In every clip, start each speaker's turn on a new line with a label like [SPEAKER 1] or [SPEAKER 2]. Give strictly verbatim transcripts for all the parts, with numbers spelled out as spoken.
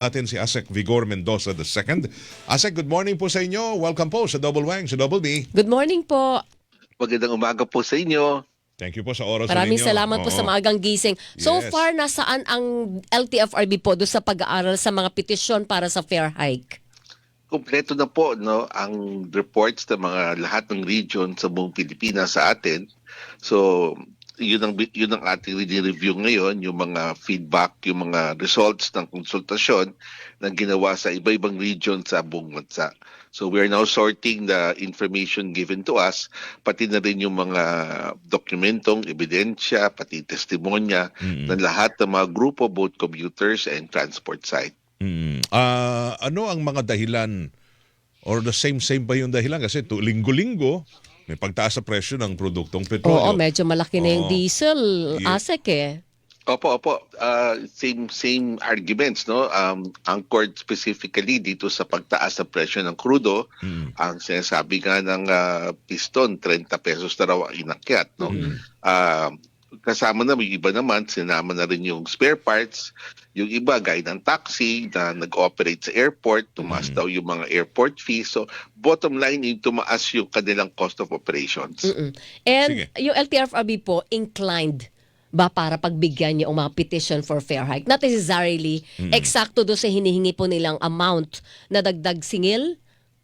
[SPEAKER 1] Natin si Asek Vigor Mendoza the second. Asek, good morning po sa inyo. Welcome po sa Double Wang, sa Double B.
[SPEAKER 2] Good morning po.
[SPEAKER 3] Magandang umaga po sa inyo.
[SPEAKER 1] Thank you po sa oras
[SPEAKER 2] Maraming
[SPEAKER 1] ninyo.
[SPEAKER 2] salamat po sa
[SPEAKER 1] Oo.
[SPEAKER 2] maagang gising. So
[SPEAKER 1] Yes.
[SPEAKER 2] far, nasaan ang L T F R B po doon sa pag-aaral sa mga petisyon para sa fair hike?
[SPEAKER 3] Kompleto na po no ang reports ng mga lahat ng region sa buong Pilipinas sa atin. So yun ang yun ang ating review ngayon, yung mga feedback, yung mga results ng konsultasyon na ginawa sa iba-ibang region sa buong bansa. So we are now sorting the information given to us, pati na rin yung mga dokumentong ebidensya, pati testimonya
[SPEAKER 1] Mm-mm.
[SPEAKER 3] ng lahat ng mga grupo, both commuters and transport side.
[SPEAKER 1] Mm. Ah, ano ang mga dahilan or the same same ba yung dahilan? Kasi tu- linggo-linggo may pagtaas sa presyo ng produktong
[SPEAKER 2] Oo,
[SPEAKER 1] petrolyo.
[SPEAKER 2] medyo malaki na yung
[SPEAKER 1] Oo.
[SPEAKER 2] diesel,
[SPEAKER 1] Yeah.
[SPEAKER 2] Asek eh.
[SPEAKER 3] Opo, opo. Uh, same same arguments, no? Um, anchored specifically dito sa pagtaas ng presyo ng krudo.
[SPEAKER 1] Mm.
[SPEAKER 3] Ang sinasabi nga ng ah, piston, thirty pesos na raw ang inakyat, no?
[SPEAKER 1] Mm.
[SPEAKER 3] Ah, kasama na, yung iba naman, sinama na rin yung spare parts. Yung iba, gaya ng taxi na nag-operate sa airport, tumaas
[SPEAKER 1] Mm.
[SPEAKER 3] daw yung mga airport fees. So, bottom line, yung tumaas yung kanilang cost of operations.
[SPEAKER 2] Mm-mm. And
[SPEAKER 1] Sige.
[SPEAKER 2] yung L T F R B po, inclined ba para pagbigyan niyo ang mga petition for fair hike? Not necessarily eksakto doon sa hinihingi po nilang amount na dagdag singil?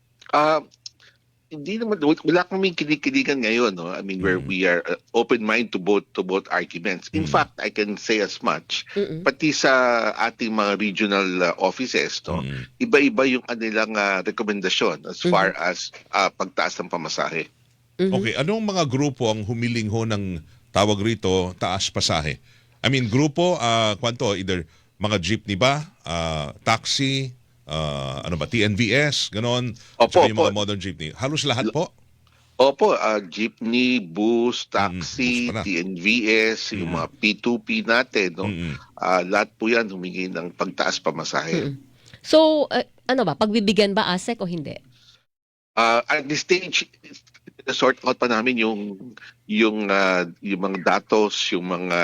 [SPEAKER 3] Ah, hindi naman, wala kaming kinikiligan ngayon, no? I mean, where
[SPEAKER 1] Mm.
[SPEAKER 3] we are uh, open mind to both to both arguments. In
[SPEAKER 1] Mm.
[SPEAKER 3] fact, I can say as much,
[SPEAKER 2] Mm-mm.
[SPEAKER 3] pati sa ating mga regional uh, offices, no?
[SPEAKER 1] Mm.
[SPEAKER 3] Iba-iba yung kanilang uh, rekomendasyon as far as uh, pagtaas ng pamasahe.
[SPEAKER 2] Mhm.
[SPEAKER 1] Okay, anong mga grupo ang humiling ho ng tawag rito taas pasahe? I mean, grupo, ah, kwanto, either mga jeepney ba, ah, taxi, ah, ano ba, T N V S, ganon, at
[SPEAKER 3] Opo,
[SPEAKER 1] saka yung mga
[SPEAKER 3] opo.
[SPEAKER 1] modern jeepney. Halos lahat po?
[SPEAKER 3] Opo, uh, jeepney, bus,
[SPEAKER 1] bus
[SPEAKER 3] taxi,
[SPEAKER 1] pala.
[SPEAKER 3] T N V S, yung
[SPEAKER 1] Mm.
[SPEAKER 3] mga P two P natin, no?
[SPEAKER 1] Mm-mm.
[SPEAKER 3] Uh, lahat po yan humingi ng pagtaas pamasahe.
[SPEAKER 2] Mm-mm. So, uh, ano ba, pagbibigyan ba Asek o hindi?
[SPEAKER 3] Uh, at this stage, sort out pa namin yung yung uh, yung mga datos, yung mga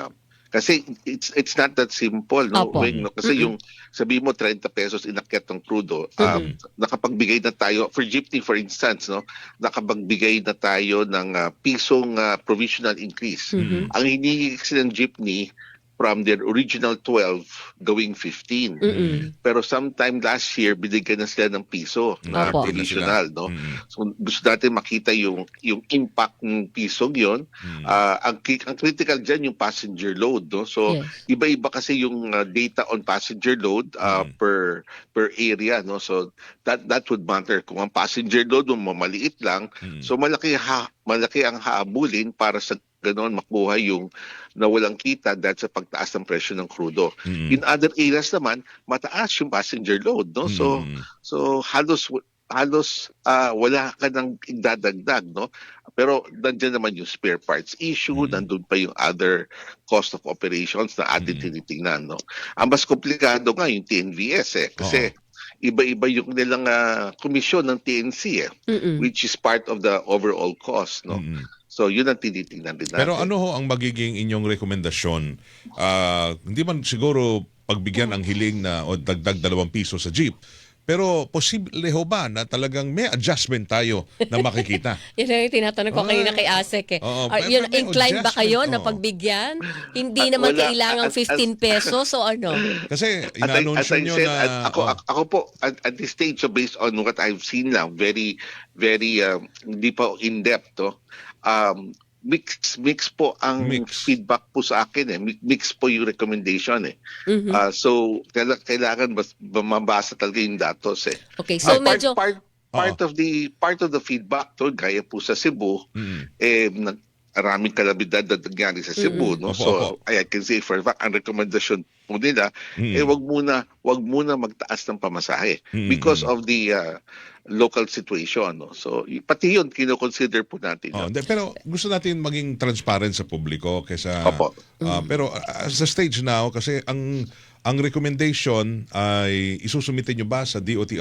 [SPEAKER 3] kasi it's it's not that simple, no?
[SPEAKER 2] Opo.
[SPEAKER 3] Weng, no? Kasi
[SPEAKER 2] Mm-mm.
[SPEAKER 3] yung sabi mo thirty pesos inakyat ng crudo, um, nakapagbigay na tayo for jeepney for instance, no? Nakapagbigay na tayo ng uh, pisong uh, provisional increase.
[SPEAKER 2] Mhm.
[SPEAKER 3] Ang hinihingi kasi ng jeepney from their original twelve going fifteen.
[SPEAKER 2] Mm-mm.
[SPEAKER 3] Pero sometime last year, binigyan na sila ng piso na
[SPEAKER 2] Opo.
[SPEAKER 3] provisional, no?
[SPEAKER 1] Mm-mm.
[SPEAKER 3] So gusto natin makita yung yung impact ng pisong yon.
[SPEAKER 1] Mm.
[SPEAKER 3] Ah, ang, ki- ang critical dyan yung passenger load, no? So
[SPEAKER 2] Yes.
[SPEAKER 3] iba-iba kasi yung uh, data on passenger load uh,
[SPEAKER 1] Mm.
[SPEAKER 3] per per area, no? So that that would matter kung ang passenger load mo mamaliit lang,
[SPEAKER 1] Mm.
[SPEAKER 3] so malaki ha malaki ang haabulin para sa ganoon makuha yung nawalang kita dahil sa pagtaas ng presyo ng krudo.
[SPEAKER 1] Mm.
[SPEAKER 3] In other areas naman, mataas yung passenger load, no? So
[SPEAKER 1] Mm.
[SPEAKER 3] so halos halos ah, wala ka nang idadagdag, no? Pero nandiyan naman yung spare parts issue,
[SPEAKER 1] Mm.
[SPEAKER 3] nandun pa yung other cost of operations na atin
[SPEAKER 1] Mm.
[SPEAKER 3] tinitingnan, no? Ang mas komplikado nga yung T N V S eh kasi iba-iba yung nilang ah, komisyon ng T N C eh,
[SPEAKER 2] Mm-mm.
[SPEAKER 3] which is part of the overall cost, no?
[SPEAKER 1] Mm.
[SPEAKER 3] So yun ang tinitingnan din natin.
[SPEAKER 1] Pero ano ho ang magiging inyong rekomendasyon? Ah, hindi man siguro pagbigyan ang hiling na o dagdag dalawang piso sa jeep. Pero posible ho ba na talagang may adjustment tayo na makikita?
[SPEAKER 2] Yun ang yung tinatanong ko
[SPEAKER 1] Ah,
[SPEAKER 2] kanina kay Asek eh.
[SPEAKER 1] oo,
[SPEAKER 2] Are,
[SPEAKER 1] pero
[SPEAKER 2] yun,
[SPEAKER 1] may
[SPEAKER 2] inclined ba kayo
[SPEAKER 1] adjustment,
[SPEAKER 2] na
[SPEAKER 1] oo.
[SPEAKER 2] pagbigyan? Hindi
[SPEAKER 3] Ah,
[SPEAKER 2] naman
[SPEAKER 3] wala.
[SPEAKER 2] kailangan
[SPEAKER 3] As- as-
[SPEAKER 2] fifteen pesos o ano?
[SPEAKER 1] Kasi
[SPEAKER 3] As I, as
[SPEAKER 1] inaanunsyo
[SPEAKER 3] I
[SPEAKER 1] nyo
[SPEAKER 3] said,
[SPEAKER 1] na...
[SPEAKER 3] at- ako,
[SPEAKER 1] oh,
[SPEAKER 3] ako, ako po, at, at this stage, so based on what I've seen lang, very, very, um, hindi pa in-depth, to, um, mix, mix po ang
[SPEAKER 1] Mix.
[SPEAKER 3] feedback po sa akin, eh. Mi- Mix po yung recommendation, eh.
[SPEAKER 2] Mhm.
[SPEAKER 3] Ah, so, kaila- kailangan mas, mabasa talaga yung datos, eh.
[SPEAKER 2] Okay, so
[SPEAKER 3] Ah, part,
[SPEAKER 2] medyo...
[SPEAKER 3] part, part of the, part of the feedback, to, gaya po sa Cebu,
[SPEAKER 1] mm.
[SPEAKER 3] eh, nag, maraming kalabidad na nangyari sa Cebu, no?
[SPEAKER 1] Opo,
[SPEAKER 3] So,
[SPEAKER 1] opo.
[SPEAKER 3] I can say for a fact, ang recommendation po nila,
[SPEAKER 1] Mm.
[SPEAKER 3] eh wag muna, wag muna magtaas ng pamasahe
[SPEAKER 1] Mm,
[SPEAKER 3] because
[SPEAKER 1] mm.
[SPEAKER 3] of the uh, local situation, no? So, y- pati yun kino-consider po natin.
[SPEAKER 1] Oh,
[SPEAKER 3] no?
[SPEAKER 1] hindi, pero gusto natin maging transparent sa publiko kaysa
[SPEAKER 3] Opo.
[SPEAKER 1] ah, pero ah, sa stage now kasi ang ang recommendation ay isusumite nyo ba sa D O T R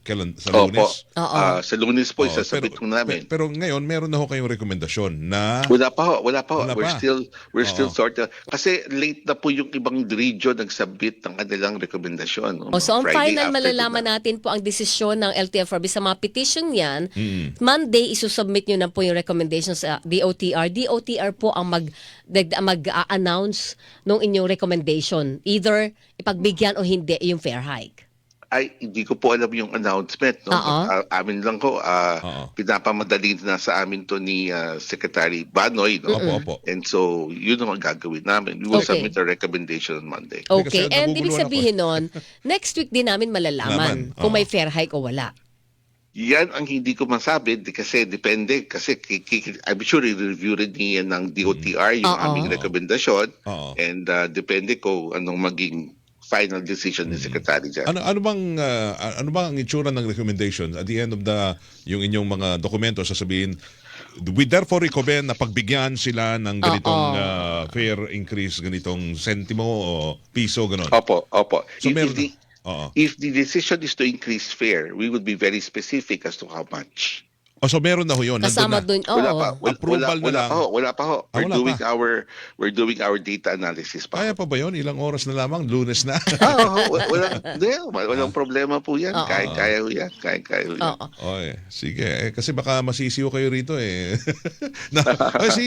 [SPEAKER 1] Kailan? Sa
[SPEAKER 3] Opo.
[SPEAKER 1] Lunes?
[SPEAKER 2] Oo.
[SPEAKER 3] Ah, sa Lunes po,
[SPEAKER 1] Oo,
[SPEAKER 3] isasabit ko namin.
[SPEAKER 1] pe- pero ngayon, meron na ho kayong rekomendasyon na...
[SPEAKER 3] Wala pa ho, wala pa ho.
[SPEAKER 1] Wala
[SPEAKER 3] We're
[SPEAKER 1] pa.
[SPEAKER 3] still we're still
[SPEAKER 1] Oo.
[SPEAKER 3] sorting. Kasi late na po yung ibang region nagsabit ng kanilang rekomendasyon.
[SPEAKER 2] O, so, ang
[SPEAKER 3] Friday
[SPEAKER 2] final
[SPEAKER 3] after
[SPEAKER 2] malalaman
[SPEAKER 3] na.
[SPEAKER 2] natin po ang desisyon ng L T F R B sa mga petition yan.
[SPEAKER 1] Mm.
[SPEAKER 2] Monday, isusubmit nyo na po yung recommendations sa D O T R. D O T R po ang mag, dag- mag-announce ng inyong recommendation. Either ipagbigyan o hindi yung fair hike.
[SPEAKER 3] Ay, hindi ko po alam yung announcement. No?
[SPEAKER 2] Oo.
[SPEAKER 3] Ah, amin lang ko, ah,
[SPEAKER 1] Oo.
[SPEAKER 3] pinapamadali na sa amin to ni ah, Secretary Banoy. No?
[SPEAKER 1] Opo, opo.
[SPEAKER 3] And so, yun ang gagawin namin. We will
[SPEAKER 2] Okay.
[SPEAKER 3] submit a recommendation on Monday.
[SPEAKER 2] Okay,
[SPEAKER 1] Kasi
[SPEAKER 2] and ibig
[SPEAKER 1] naguguluhan
[SPEAKER 2] sabihin nun, next week din namin malalaman
[SPEAKER 1] Laman,
[SPEAKER 2] kung
[SPEAKER 1] oo.
[SPEAKER 2] may fair hike o wala.
[SPEAKER 3] Yan ang hindi ko masabi di- kasi depende. Kasi ki- ki- I'm sure i-review rin niya ng D O T R yung
[SPEAKER 2] Oo.
[SPEAKER 3] aming rekomendasyon.
[SPEAKER 1] Oo.
[SPEAKER 3] And ah, depende ko anong maging final decision ni Secretary dyan.
[SPEAKER 1] Ano ano bang ah, ano bang ang itsura ng recommendation at the end of the yung inyong mga dokumento sasabihin we therefore recommend na pagbigyan sila ng ganitong
[SPEAKER 2] Oo.
[SPEAKER 1] ah, fare increase, ganitong sentimo o piso ganon.
[SPEAKER 3] Opo, opo.
[SPEAKER 1] So
[SPEAKER 3] if,
[SPEAKER 1] meron
[SPEAKER 3] if, the,
[SPEAKER 1] Oo.
[SPEAKER 3] if the decision is to increase fare, we would be very specific as to how much.
[SPEAKER 1] O so meron na ho yun.
[SPEAKER 2] Kasama
[SPEAKER 1] nandun
[SPEAKER 2] dun,
[SPEAKER 1] na.
[SPEAKER 2] oo.
[SPEAKER 3] Wala pa. Wala,
[SPEAKER 1] Approval
[SPEAKER 3] wala,
[SPEAKER 1] na
[SPEAKER 3] wala
[SPEAKER 1] lang.
[SPEAKER 3] pa ho. Wala pa ho.
[SPEAKER 1] Ah,
[SPEAKER 3] We're
[SPEAKER 1] wala
[SPEAKER 3] doing
[SPEAKER 1] pa.
[SPEAKER 3] our we're doing our data analysis pa.
[SPEAKER 1] Kaya pa ba yun? Ilang oras na lamang? Lunes na?
[SPEAKER 3] Oo, wa- walang, hindi, walang problema po yan.
[SPEAKER 2] Oo.
[SPEAKER 3] Kaya, kaya ho yan. Kaya, kaya ho yan.
[SPEAKER 2] Oo.
[SPEAKER 1] Oy, sige. Eh, kasi baka masisiyo kayo rito eh. na, kasi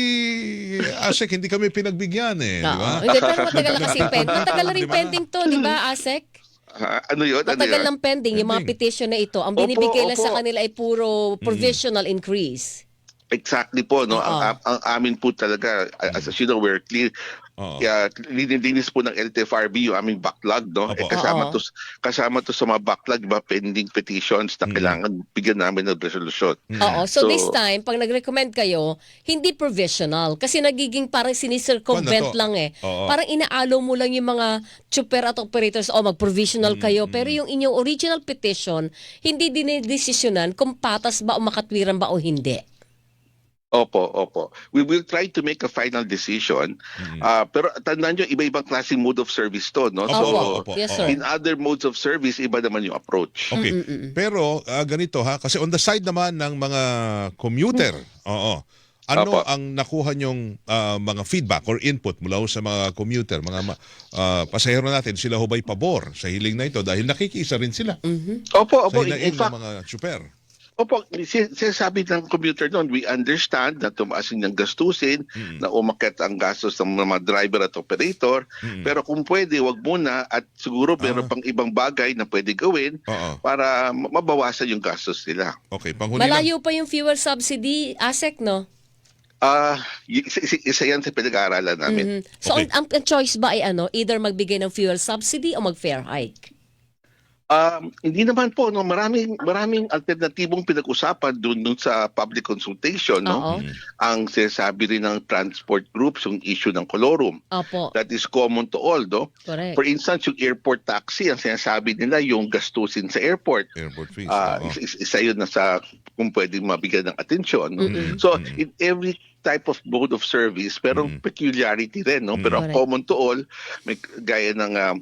[SPEAKER 1] Asek, hindi kami pinagbigyan eh. Di ba?
[SPEAKER 2] Oo. Hindi, pero matagal na kasi pending. Matagal na rin
[SPEAKER 1] Di ba?
[SPEAKER 2] pending to, di ba, Asek?
[SPEAKER 3] Ah, ano yun? Ano
[SPEAKER 2] Matagal
[SPEAKER 3] yun?
[SPEAKER 2] lang pending yung mga
[SPEAKER 1] Pending.
[SPEAKER 2] petition na ito. Ang
[SPEAKER 3] Opo,
[SPEAKER 2] binibigay lang sa
[SPEAKER 3] opo.
[SPEAKER 2] kanila ay puro provisional increase.
[SPEAKER 3] Exactly po, no.
[SPEAKER 2] Oo.
[SPEAKER 3] Ang, ang, ang amin po talaga, as, as you know, we're clear.
[SPEAKER 1] Oo.
[SPEAKER 3] Kaya lininis po ng L T F R B yung aming backlog, no.
[SPEAKER 1] Opo.
[SPEAKER 3] Eh, kasama
[SPEAKER 2] Oo.
[SPEAKER 3] to kasama to sa mga backlog, diba, pending petitions na kailangan bigyan namin ng resolution.
[SPEAKER 2] Oo. So,
[SPEAKER 3] So-
[SPEAKER 2] this time, pag nag-recommend kayo, hindi provisional. Kasi nagiging parang sinicircumvent
[SPEAKER 1] Paano to?
[SPEAKER 2] lang eh.
[SPEAKER 1] Oo.
[SPEAKER 2] Parang inaalo mo lang yung mga chuper at operators, o mag-provisional kayo. Pero yung inyong original petition, hindi dinidesisyonan kung patas ba o makatwiran ba o hindi.
[SPEAKER 3] Opo, opo. We will try to make a final decision. Ah, pero tandaan nyo, iba-ibang klaseng mode of service to, no?
[SPEAKER 1] Opo,
[SPEAKER 3] So,
[SPEAKER 1] opo, opo.
[SPEAKER 2] Yes,
[SPEAKER 1] Oo.
[SPEAKER 2] sir.
[SPEAKER 3] in other modes of service, iba naman yung approach.
[SPEAKER 1] Okay. Pero ah, ganito ha, kasi on the side naman ng mga commuter, oo. Ano
[SPEAKER 3] Opo.
[SPEAKER 1] ang nakuha nyong ah, mga feedback or input mula ho sa mga commuter, mga ma- ah, pasahero natin, sila ho ba'y pabor sa hiling na ito dahil nakikisa rin sila
[SPEAKER 3] Opo,
[SPEAKER 1] sa
[SPEAKER 3] opo. In,
[SPEAKER 1] hinaing
[SPEAKER 3] in
[SPEAKER 1] ng
[SPEAKER 3] fact,
[SPEAKER 1] mga super.
[SPEAKER 3] Opo, sin- sinasabi ng commuter noon, we understand na tumaas yung gastusin, na umakyat ang gastos ng mga driver at operator, pero kung pwede, wag muna at siguro meron
[SPEAKER 1] Ah.
[SPEAKER 3] pang ibang bagay na pwede gawin
[SPEAKER 1] Oo.
[SPEAKER 3] para ma- mabawasan yung gastos nila.
[SPEAKER 1] Okay, panghuli lang.
[SPEAKER 2] Malayo pa yung fuel subsidy, Asek, no?
[SPEAKER 3] Ah, y- isa, isa- isa yan sa pinag-aaralan namin.
[SPEAKER 2] Mhm. So,
[SPEAKER 1] Okay.
[SPEAKER 2] ang, ang choice ba ay ano? Either magbigay ng fuel subsidy o mag-fair hike?
[SPEAKER 3] Um, hindi naman po, no, maraming maraming alternatibong pinag-usapan doon dun sa public consultation, no.
[SPEAKER 2] Oo.
[SPEAKER 3] Ang sinasabi rin ng transport groups yung issue ng colorum.
[SPEAKER 2] Opo.
[SPEAKER 3] That is common to all, no.
[SPEAKER 2] Correct.
[SPEAKER 3] For instance, yung airport taxi, ang sinasabi nila yung gastusin sa airport.
[SPEAKER 1] Airport fees.
[SPEAKER 3] Ah,
[SPEAKER 1] oo.
[SPEAKER 3] isa, isa- isa yun na sa kung pwedeng mabigyan ng atensyon. No? So, in every type of mode of service, pero peculiarity rin, no? Pero ang
[SPEAKER 2] Correct.
[SPEAKER 3] common to all, may gaya ng um,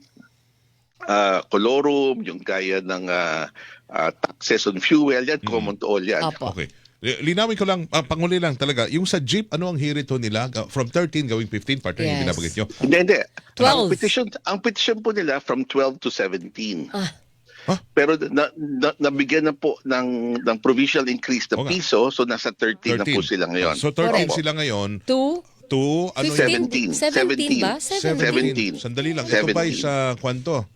[SPEAKER 3] ah, colorum, yung gaya ng ah, ah, taxes on fuel, yan, common to all yan.
[SPEAKER 2] Opo.
[SPEAKER 1] Okay. Li- Linawin ko lang, ah, panghuli lang talaga, yung sa jeep, ano ang hirit ho nila? Ah, from thirteen gawing fifteen, partner yung
[SPEAKER 2] Yes.
[SPEAKER 1] binabanggit nyo.
[SPEAKER 3] Hindi, hindi.
[SPEAKER 2] twelve.
[SPEAKER 3] Ang petition, ang petition po nila from twelve to seventeen.
[SPEAKER 2] Ah.
[SPEAKER 1] Huh?
[SPEAKER 3] Pero na, na, nabigyan na po ng, ng provisional increase
[SPEAKER 1] Oo
[SPEAKER 3] na
[SPEAKER 1] nga.
[SPEAKER 3] piso, so nasa thirteen, na po sila ngayon.
[SPEAKER 1] So thirteen
[SPEAKER 2] Correct.
[SPEAKER 1] sila ngayon
[SPEAKER 2] Two?
[SPEAKER 1] to ano
[SPEAKER 2] fifteen?
[SPEAKER 1] yun?
[SPEAKER 3] seventeen.
[SPEAKER 2] seventeen ba?
[SPEAKER 3] seventeen.
[SPEAKER 2] seventeen.
[SPEAKER 1] Sandali lang. Ito ba
[SPEAKER 3] seventeen.
[SPEAKER 1] sa kwanto?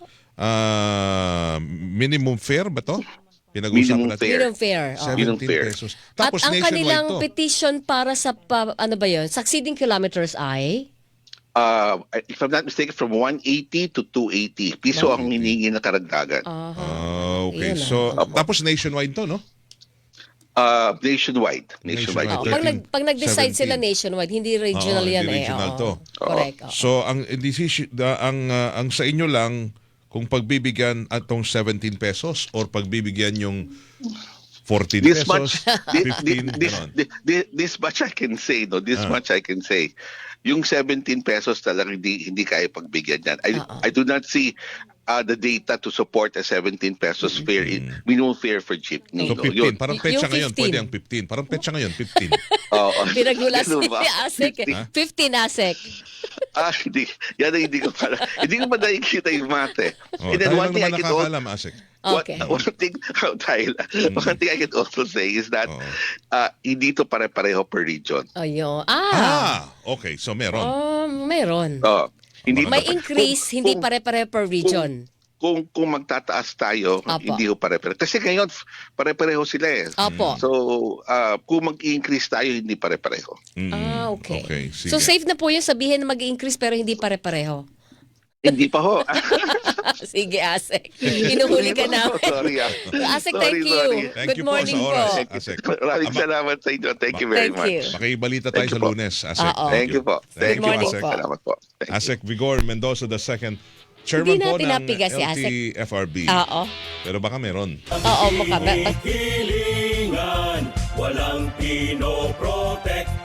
[SPEAKER 1] Ah, minimum fare ba to? Pinag-uusapan
[SPEAKER 3] Minimum
[SPEAKER 1] natin.
[SPEAKER 3] fare.
[SPEAKER 2] Minimum fare. oo.
[SPEAKER 3] Minimum
[SPEAKER 1] seventeen
[SPEAKER 3] fare.
[SPEAKER 1] pesos.
[SPEAKER 2] At
[SPEAKER 1] Tapos
[SPEAKER 2] ang
[SPEAKER 1] nationwide
[SPEAKER 2] kanilang
[SPEAKER 1] to.
[SPEAKER 2] petition para sa, pa, ano ba yun, succeeding kilometers ay?
[SPEAKER 3] Uh, if I'm not mistaken, from one eighty to two eighty. Piso ang hinihingi na karagdagan.
[SPEAKER 2] Aha.
[SPEAKER 1] Ah, okay.
[SPEAKER 2] Yun,
[SPEAKER 1] So,
[SPEAKER 2] ah.
[SPEAKER 1] tapos nationwide to, no?
[SPEAKER 3] Uh, nationwide. Nationwide.
[SPEAKER 1] Nationwide.
[SPEAKER 2] Oo,
[SPEAKER 3] po.
[SPEAKER 2] pag, nag, pag nag-decide
[SPEAKER 1] seventeen.
[SPEAKER 2] sila nationwide, hindi regional
[SPEAKER 1] Oo,
[SPEAKER 2] yan
[SPEAKER 1] hindi
[SPEAKER 2] eh.
[SPEAKER 1] regional
[SPEAKER 2] Oo.
[SPEAKER 1] to.
[SPEAKER 2] Correct. oo.
[SPEAKER 1] So, ang decision, da- ang ah, ang sa inyo lang kung pagbibigyan atong seventeen pesos or pagbibigyan yung fourteen
[SPEAKER 3] This
[SPEAKER 1] pesos,
[SPEAKER 3] much, this,
[SPEAKER 1] fifteen,
[SPEAKER 3] this,
[SPEAKER 1] ganon.
[SPEAKER 3] this, this, this much I can say, no? This
[SPEAKER 1] Ah.
[SPEAKER 3] much I can say. Yung seventeen pesos talagang hindi, hindi kaya pagbigyan yan. I,
[SPEAKER 2] Oo.
[SPEAKER 3] I do not see uh, the data to support a seventeen pesos fare,
[SPEAKER 1] Mm.
[SPEAKER 3] minimum fare for jeepney.
[SPEAKER 1] So
[SPEAKER 3] no?
[SPEAKER 1] fifteen,
[SPEAKER 3] Yun.
[SPEAKER 1] parang
[SPEAKER 2] Yung
[SPEAKER 1] petsa ngayon,
[SPEAKER 2] fifteen.
[SPEAKER 1] pwede ang fifteen. Parang petsa ngayon, fifteen.
[SPEAKER 3] Oo.
[SPEAKER 2] Pinaglulas
[SPEAKER 3] Ganun ba?
[SPEAKER 2] ni Asek. eh.
[SPEAKER 1] Ha?
[SPEAKER 2] fifteen Asek.
[SPEAKER 3] Ah, hindi. Yan ang hindi ko para. Hindi ko pa nakikita yung mate.
[SPEAKER 1] Oh,
[SPEAKER 3] And then
[SPEAKER 1] tayo
[SPEAKER 3] one
[SPEAKER 1] lang
[SPEAKER 3] thing I
[SPEAKER 1] naman
[SPEAKER 3] can also,
[SPEAKER 1] nakakaalam, Asik.
[SPEAKER 2] Okay.
[SPEAKER 3] One, one thing, oh, tayo lang. One thing I can also say is that
[SPEAKER 1] Oo.
[SPEAKER 3] uh, hindi to pare-pareho per region.
[SPEAKER 2] Ayun. Ah.
[SPEAKER 1] Ah, okay. So meron.
[SPEAKER 2] Oh, meron.
[SPEAKER 3] Oh, hindi
[SPEAKER 2] May
[SPEAKER 3] to-
[SPEAKER 2] increase,
[SPEAKER 3] kung-
[SPEAKER 2] hindi
[SPEAKER 3] kung-
[SPEAKER 2] pare-pare per region.
[SPEAKER 3] Kung kung magtataas tayo,
[SPEAKER 2] Apo.
[SPEAKER 3] hindi ho pare-pareho. Kasi ngayon pare-pareho sila eh.
[SPEAKER 2] Opo.
[SPEAKER 3] So, uh, kung mag-increase tayo, hindi pare-pareho.
[SPEAKER 1] Mm,
[SPEAKER 2] Ah, okay.
[SPEAKER 1] Okay, sige.
[SPEAKER 2] So safe na po yung sabihin na mag-increase pero hindi pare-pareho.
[SPEAKER 3] Hindi pa ho.
[SPEAKER 2] Sige, Asek. Inuhuli ka namin.
[SPEAKER 3] Sorry ah.
[SPEAKER 2] Asek,
[SPEAKER 3] Sorry,
[SPEAKER 2] thank you.
[SPEAKER 3] sorry.
[SPEAKER 1] Thank
[SPEAKER 2] Good
[SPEAKER 1] you po
[SPEAKER 2] morning
[SPEAKER 1] sa oras,
[SPEAKER 2] po.
[SPEAKER 1] Asek.
[SPEAKER 3] Maraming
[SPEAKER 1] Ama-
[SPEAKER 3] salamat sa inyo. Thank you very
[SPEAKER 2] Thank
[SPEAKER 3] much.
[SPEAKER 2] you.
[SPEAKER 1] Makibalita tayo
[SPEAKER 3] Thank
[SPEAKER 1] sa
[SPEAKER 3] you po.
[SPEAKER 1] Lunes, Asek.
[SPEAKER 2] Oo.
[SPEAKER 3] Thank you po.
[SPEAKER 1] Thank
[SPEAKER 3] Thank
[SPEAKER 1] you,
[SPEAKER 3] you
[SPEAKER 2] morning
[SPEAKER 1] Asek.
[SPEAKER 2] po.
[SPEAKER 3] Salamat po. Thank you.
[SPEAKER 1] Asek Vigor Mendoza the second, chairman
[SPEAKER 2] Hindi
[SPEAKER 1] po
[SPEAKER 2] natin
[SPEAKER 1] ng
[SPEAKER 2] napigas si
[SPEAKER 1] L
[SPEAKER 2] Asek.
[SPEAKER 1] T F R B.
[SPEAKER 2] Oo.
[SPEAKER 1] Pero baka meron.
[SPEAKER 2] Oo, mukha.
[SPEAKER 4] Hilingan, walang pinoprotektahan.